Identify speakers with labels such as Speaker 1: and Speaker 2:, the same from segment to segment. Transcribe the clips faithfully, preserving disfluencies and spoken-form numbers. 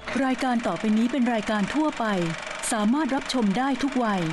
Speaker 1: รายการต่อไปนี้เป็นรายการทั่วไปสามารถรับชมได้ทุกวัย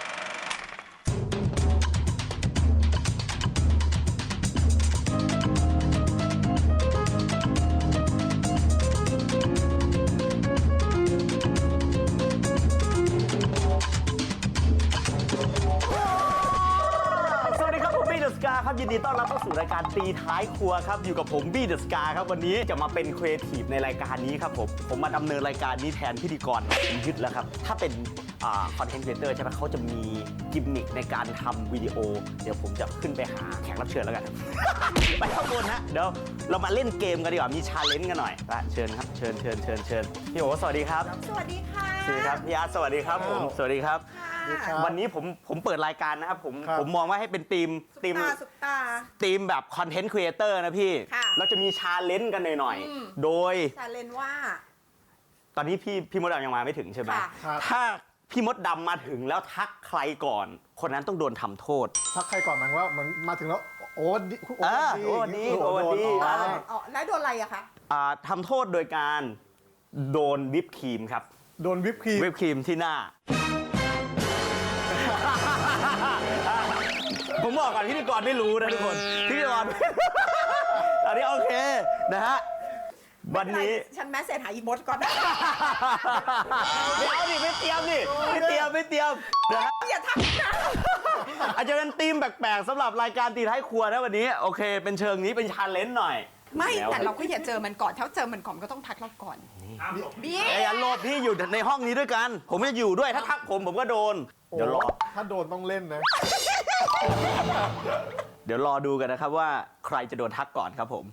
Speaker 2: ครับยินดีต้อนรับเข้าสู่รายการตีท้ายครัวครับอยู่กับผมบี้เดอะสกาครับวันนี้จะมาเป็นครีเอทีฟในรายการนี้ครับผมผมมาดำเนินรายการนี้แทนพิธีกรผมยึดแล้วครับถ้าเป็นคอนเทนต์ครีเอเตอร์ใช่ไหมเขาจะมีกิมมิคในการทำวิดีโอเดี๋ยวผมจะขึ้นไปหาแขกรับเชิญแล้วกัน ไปข้างบนฮะเดี๋ยวเรามาเล่นเกมกันดีกว่ามีชาเลนจ์กันหน่อยละเชิญครับเชิญเชิญเชิญเชิญพี่โอ๋สวัสดีครับ
Speaker 3: สวัสดีค่ะ
Speaker 2: สวัสดีครับพี่อาร์ตสวัสดีครับผมสวัสดีครับวันนี้ผมผมเปิดรายการนะครับผมผมมองว่าให้เป็นทีมทีมทีมแบบคอนเทนต์ครีเอเตอร์นะพี่เราจะมีชาเลนจ์กันหน่อยๆโดย
Speaker 3: ชาเลนจ์ว่า
Speaker 2: ตอนนี้พี่พี่มดดำยังมาไม่ถึงใช่ไหมถ้าพี่มดดำมาถึงแล้วทักใครก่อนคนนั้นต้องโดนทำโทษ
Speaker 4: ทักใครก่อนหมายว่ามันมาถึงแล้วโอ้ดี
Speaker 2: โอ้ดีโอ้ดีโอ้ดี
Speaker 3: แล้วโดนอะไรอะคะ
Speaker 2: ทำโทษโดยการโดนวิปครีมครับ
Speaker 4: โดนวิปครีม
Speaker 2: วิปครีมที่หน้าผมบอกก่อนพิธีกรไม่รู้นะทุกคนพิธีกรตอนนี้โอเคนะฮะวันนี้
Speaker 3: ฉันแมสเซจหาอีมดก่อนนะ
Speaker 2: ไม่เอาดิไม่เตรียมดิไม่เตรียมไม่เตรียมนะฮะ
Speaker 3: อย่าทักนะ
Speaker 2: อาจจะเป็นธีมแปลกๆสำหรับรายการตีท้ายครัวนะวันนี้โอเคเป็นเชิงนี้เป็นชาเลนจ์หน่อย
Speaker 3: ไม่แต่เราก็อย่าเจอมันก่อนถ้าเจอมันก่อนก็ต้องทักเราก่อน
Speaker 2: บี้ไอ้ยันโลภพี่อยู่ในห้องนี้ด้วยกันผมจะอยู่ด้วยถ้าทักผมผมก็โดนเดี๋ยวรอ
Speaker 4: ถ้าโดนต้องเล่นนะ
Speaker 2: เดี๋ยวรอดูกันนะครับว่าใครจะโดนทักก่อนครับผม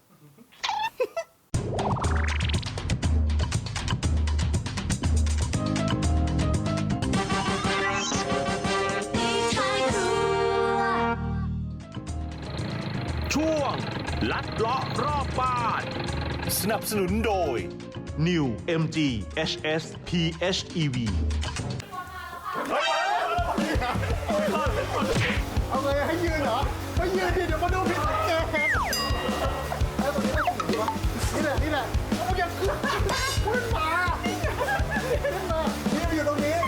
Speaker 5: ช่วงลัดเลาะรอบบ้านสนับสนุนโดย New เอ็ม จี เอช เอส พี เอช อี วี
Speaker 4: เอาไงให้ยืนเหรอไม่ยืนดิเดี๋ยวมาดูผิดสังเกตไอ้ตัวนี้ไม่ถึงวะนี่แหละนี่แหละเอาอย่าขึ้นขึ้นมาขึ้นมานี่อยู่ตรงนี้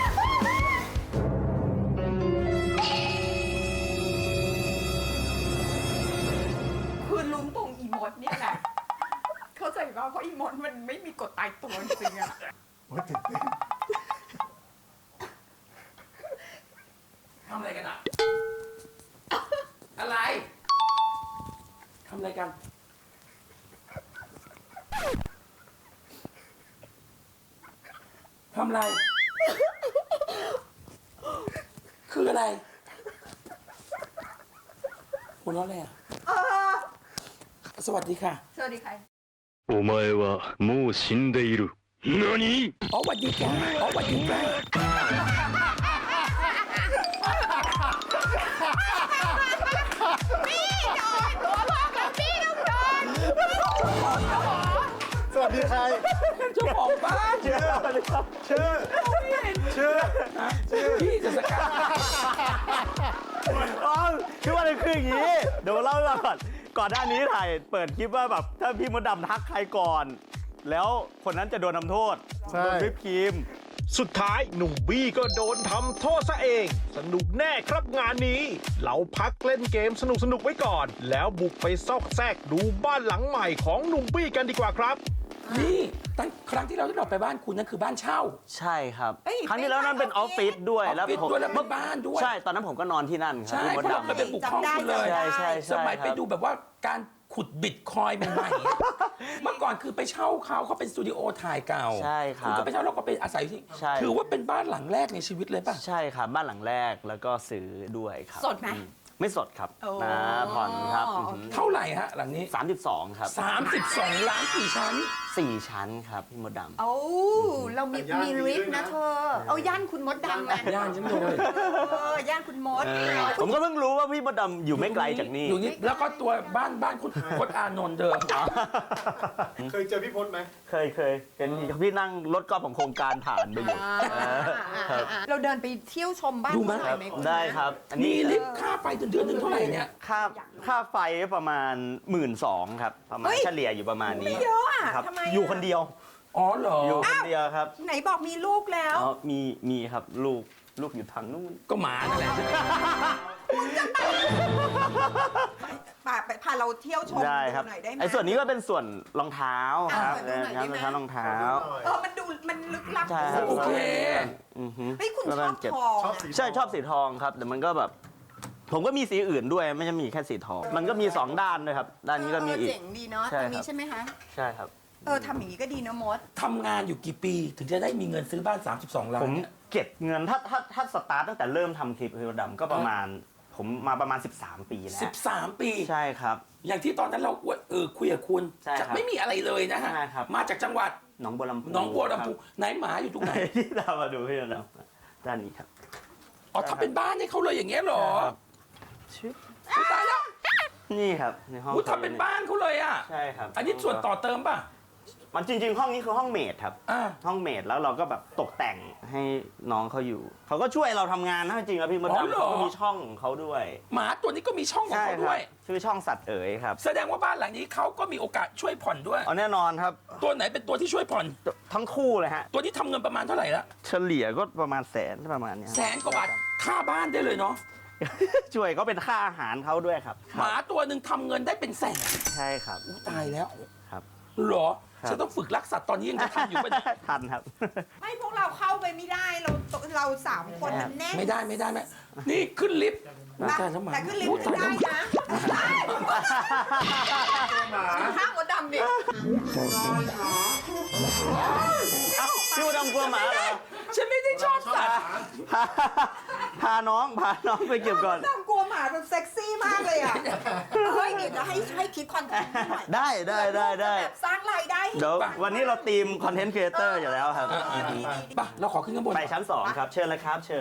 Speaker 3: คือลุ้มตรงอีมดเนี่ยแหละเข้าใจว่าเพราะอีมดมันไม่มีกฎตายตัวจริงอะ
Speaker 6: ทำอะไรกันอ่ะ อะไรทำอะไรกันทำอะไรคืออะไรหัวเราะอะไรอ่ะสวัสดีค่ะ
Speaker 3: สวัสดีค่ะ
Speaker 7: お前はもう死んでいる。何？
Speaker 6: อ๋อสวัสดีค่ะอ๋อสวัสดีค่ะ
Speaker 4: สวัสดีใคร
Speaker 6: เจ้าของบ้าน
Speaker 4: ชื่อชื่อชื่อชื่อ
Speaker 6: พี่จะสกัด
Speaker 2: อ๋อคือว่าคืออย่างนี้เดี๋ยวเล่าก่อนก่อนหน้านี้ถ่ายเปิดคลิปว่าแบบถ้าพี่มดดำทักใครก่อนแล้วคนนั้นจะโดนทำโทษโดนวิปครีม
Speaker 5: สุดท้ายหนุ่มบี้ก็โดนทำโทษซะเองสนุกแน่ครับงานนี้เราพักเล่นเกมสนุกๆไว้ก่อนแล้วบุกไปซอกแซกดูบ้านหลังใหม่ของหนุ่มบี้กันดีกว่าครับ
Speaker 6: นี่ตั้งครั้งที่เราที่เราไปบ้านคุณนั่นคือบ้านเช่า
Speaker 2: ใช่ครับครั้งที่แล้วนั้นเป็นออฟฟิศด้วย
Speaker 6: แล้วผมแล้วเป็นบ้านด้วย
Speaker 2: ใช่ตอนนั้นผมก็นอนที่นั่นครับ
Speaker 6: ใช่เพราะเราไปบุกห้องคุณเลย
Speaker 2: ใช่ใช่
Speaker 6: สมัยไปดูแบบว่าการขุดบิตคอยน์ใหม่ๆเมื่อก่อนคือไปเช่าเขาเขาเป็นสตูดิโอถ่ายเก่า
Speaker 2: ใช่ครับ
Speaker 6: คุณก็ไปเช่าเราก็ไปอาศัยที่ถือว่าเป็นบ้านหลังแรกในชีวิตเลยป่ะ
Speaker 2: ใช่ครับบ้านหลังแรกแล้วก็ซื้อด้วยครับ
Speaker 3: สดไหม
Speaker 2: ไม่สดครับนะผ่อนครับ
Speaker 6: เท่าไหร่ฮะหลังนี้
Speaker 2: สามสิบสองครับ
Speaker 6: สามสิบสองล้านกี่ชั้น
Speaker 2: สี่ชั้นครับพี่มดดำ
Speaker 3: โอ้เรามีมีลิฟต์นะเธอเอาย่านคุณมดดำมา
Speaker 6: ย่านฉันเลย
Speaker 3: เออย่านคุณมด
Speaker 2: ผมก็เพิ่งรู้ว่าพี่มดดำอยู่ไม่ไกลจากนี่
Speaker 6: อยู่นี่แล้วก็ตัวบ้านบ้านคุณพจน์อานนท์เดิม
Speaker 4: เคยเจอพี่พจน์ไหม
Speaker 2: เคยเคยเห็นพี่นั่งรถกอล์ฟของโครงการผ่านไปอยู่
Speaker 3: เราเดินไปเที่ยวชมบ้าน
Speaker 2: ดูไหมได้ครับ
Speaker 6: มีลิฟต์ค่าไฟเดือนหนึ่งเท่าไหร่เนี่ย
Speaker 2: ค่าค่าไฟประมาณหมื่นสองครับประมาณเฉลี่ยอยู่ประมาณนี้
Speaker 3: ไม่เยอะอ่ะ
Speaker 2: ครับอยู่คนเดียว
Speaker 6: อ๋อเหรอ
Speaker 2: อยู่คนเดียวครับ
Speaker 3: ไหนบอกมีลูกแล้ว
Speaker 2: อ๋อมีมีครับลูกลูกอยู่ทางนู้น
Speaker 6: ก็หมานั่นแหละ
Speaker 3: พาไปพาเราเที่ยวชม
Speaker 2: ได้ครับ
Speaker 3: ดูหน่อยได้ไหม
Speaker 2: ไอ้ส่วนนี้ก็เป็นส่วนรองเท้าครับ
Speaker 3: อ่ะ
Speaker 2: นะ
Speaker 3: ดูหน่อยได้ไหม
Speaker 2: ครับรองเท้ารองเท้า
Speaker 3: เออมันดูมันลึกลับ
Speaker 2: ใช่ครับ
Speaker 6: โอเค
Speaker 2: อือฮึ
Speaker 3: เฮ้ยคุณช
Speaker 2: ก็
Speaker 3: อ
Speaker 2: ต้
Speaker 3: บ
Speaker 2: เก็บ
Speaker 3: ทอง
Speaker 4: ชอบ
Speaker 3: อะ
Speaker 4: สี
Speaker 2: ใช่ชอบสีทองครับแต่มันก็แบบ ผมก็มีสีอื่นด้วยไม่ใช่มีแค่สีทอง มันก็มีสองด้านด้วยครับ ด้านนี้ก็มี
Speaker 3: เออ
Speaker 2: อีก
Speaker 3: เจ๋งดีเนาะ
Speaker 2: ใช่
Speaker 3: ตรงนี้
Speaker 2: ครับ
Speaker 3: ใช่ไหมคะ
Speaker 2: ใช่ครับ
Speaker 3: เออทำอย่างนี้ก็ดีนะมด
Speaker 6: ทำงานอยู่กี่ปีถึงจะได้มีเงินซื้อบ้าน สามสิบสอง ล้า
Speaker 2: ผ
Speaker 6: น
Speaker 2: ม
Speaker 6: เนี่ย
Speaker 2: เก็บเงินถ้าถ้าถ้าสตาร์ทตั้งแต่เริ่มทำคลิปเฮลดำก็ประมาณ ผมมาประมาณ สิบสาม ปีแล้ว
Speaker 6: สิบสาม ปี
Speaker 2: ใช่ครับ
Speaker 6: อย่างที่ตอนนั้นเราเออคุยกับคุณ
Speaker 2: ใช่ครับ
Speaker 6: จะไม่มีอะไรเลยนะฮะ
Speaker 2: ใช่ครับ
Speaker 6: มาจากจังหวัด
Speaker 2: หนองบัวลำพู
Speaker 6: หนองบัวลำพู
Speaker 2: ค
Speaker 6: ไหนหมาอยู่ตรงไหน
Speaker 2: รับที่เรามาดูเฮลดำด้านนี้ครับ
Speaker 6: อ๋อทำเป็นบ้านให้เขาเลยอย่างเงี้ยเหรอ
Speaker 2: ครับ ชื่อ
Speaker 6: อุ๊ยตายแล้ว
Speaker 2: นี่ครับในห้อง
Speaker 6: อุ๊ยทำเป็นบ้านเขาเลยอ่ะ
Speaker 2: ใช่ครับ
Speaker 6: อันนี้ส่วนต่อเติมป่ะ
Speaker 2: มันจริง ๆ ห้องนี้คือห้องเมดครับ
Speaker 6: อ่า
Speaker 2: ห้องเมดแล้วเราก็แบบตกแต่งให้น้องเขาอยู่ เขาก็ช่วยเราทำงานนะจริงๆแล้วพี่มด
Speaker 6: อ๋อ
Speaker 2: ดำ
Speaker 6: เหรอ
Speaker 2: เขาก็มีช่องของเขาด้วย
Speaker 6: หมาตัวนี้ก็มีช่องของ
Speaker 2: ใช่
Speaker 6: เขา
Speaker 2: ค
Speaker 6: ด้
Speaker 2: รั
Speaker 6: ว
Speaker 2: บ
Speaker 6: ย
Speaker 2: ชื่อช่องสัตว์เอ๋ยครับ
Speaker 6: แสดงว่าบ้านหลังนี้เขาก็มีโอกาสช่วยผ่อนด้วย
Speaker 2: เอาแน่นอนครับ
Speaker 6: ตัวไหนเป็นตัวที่ช่วยผ่อน
Speaker 2: ทั้งคู่เลยฮะ
Speaker 6: ตัวนี้ทำเงินประมาณเท่าไหร่ละ
Speaker 2: เฉลี่ยก็ประมาณแสนประมาณเนี้ย
Speaker 6: แสนกว่าบาทค่าบ้านได้เลยเนาะ
Speaker 2: ช่วยก็เป็นค่าอาหารเขาด้วยครับ
Speaker 6: หมาตัวหนึ่งทำเงินได้เป็นแสน
Speaker 2: ใช่ครับ
Speaker 6: อู้ตายแล้ว
Speaker 2: ครับ
Speaker 6: เหรอ
Speaker 2: ครับ
Speaker 6: ฉันต้องฝึกรักสัตว์ตอนนี้ยังจะทันอยู่ปะเนี่ย
Speaker 2: ทันครับ
Speaker 3: ไม่พวกเราเข้าไปไม่ได้เราเราสามคนมันแน่น
Speaker 6: ไม่ได้ไม่ได้ไม่นี่ขึ้นลิฟต์
Speaker 3: แต่
Speaker 6: ตายแล้วหมา
Speaker 3: แต่ขึ้นลิฟ
Speaker 6: อู้
Speaker 3: ต์
Speaker 6: ตาย
Speaker 3: ได้
Speaker 6: แล้ว
Speaker 3: นะข้างมดดำดิ
Speaker 2: เอ้าพี่มดดำกลัวหมาเหรอ
Speaker 6: ฉันไม่ได้ชอบสัตว์
Speaker 2: พาพาน้องพาน้องไปเก็บก่อน
Speaker 3: มดดำกลัวหมาแบบเซ็กซี่มากเลยอ่ะเฮ้ยเดี๋ยวจะให้ให้คิดคอนเทนต์หน่อย
Speaker 2: ได้ได้ได้ได้
Speaker 3: แบบสร้างรายได้ให้
Speaker 2: เดี๋ยววันนี้เราทีมคอนเทนต์ครีเอเตอร์อยู่แล้วครับ
Speaker 6: ป่ะเราขอขึ้นข้างบน
Speaker 2: ไปชั้นสองครับ เชิญเลยครับ เชิญ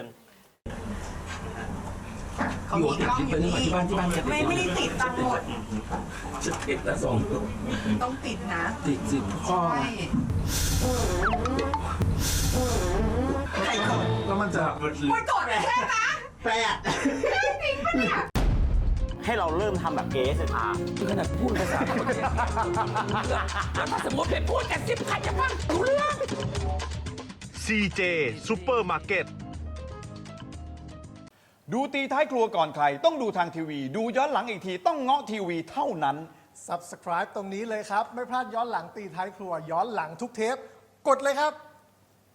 Speaker 6: เขามีกล้องอยู่นี่ที่บ้านที่บ้านจะ
Speaker 3: ไม่ไม่ได้ติดตังหมด
Speaker 6: จะติดแล้วสอง
Speaker 3: ต้องติดนะ
Speaker 6: ติดสิพ่อ
Speaker 3: ใช่ใครกด
Speaker 4: แล้วมันจะ
Speaker 3: ไม่กดแค่นะ
Speaker 2: แปด
Speaker 3: จริงปะเนี่ย
Speaker 2: ให้เราเริ่มทำแบบ เอ เอส อาร์
Speaker 6: คือขนาดพูดภาษาคนเนี่ยแล้วถ้าสมมติเป็นพูดกันสิบใครจะฟังรู้เรื่อง
Speaker 5: ซี เจ Supermarket
Speaker 8: ดูตีท้ายครัวก่อนใคร ต้องดูทางทีวี ดูย้อนหลังอีกทีต้องเงาะทีวีเท่านั้น
Speaker 4: Subscribe ตรงนี้เลยครับ ไม่พลาดย้อนหลังตีท้ายครัว ย้อนหลังทุกเทป กดเลยครับ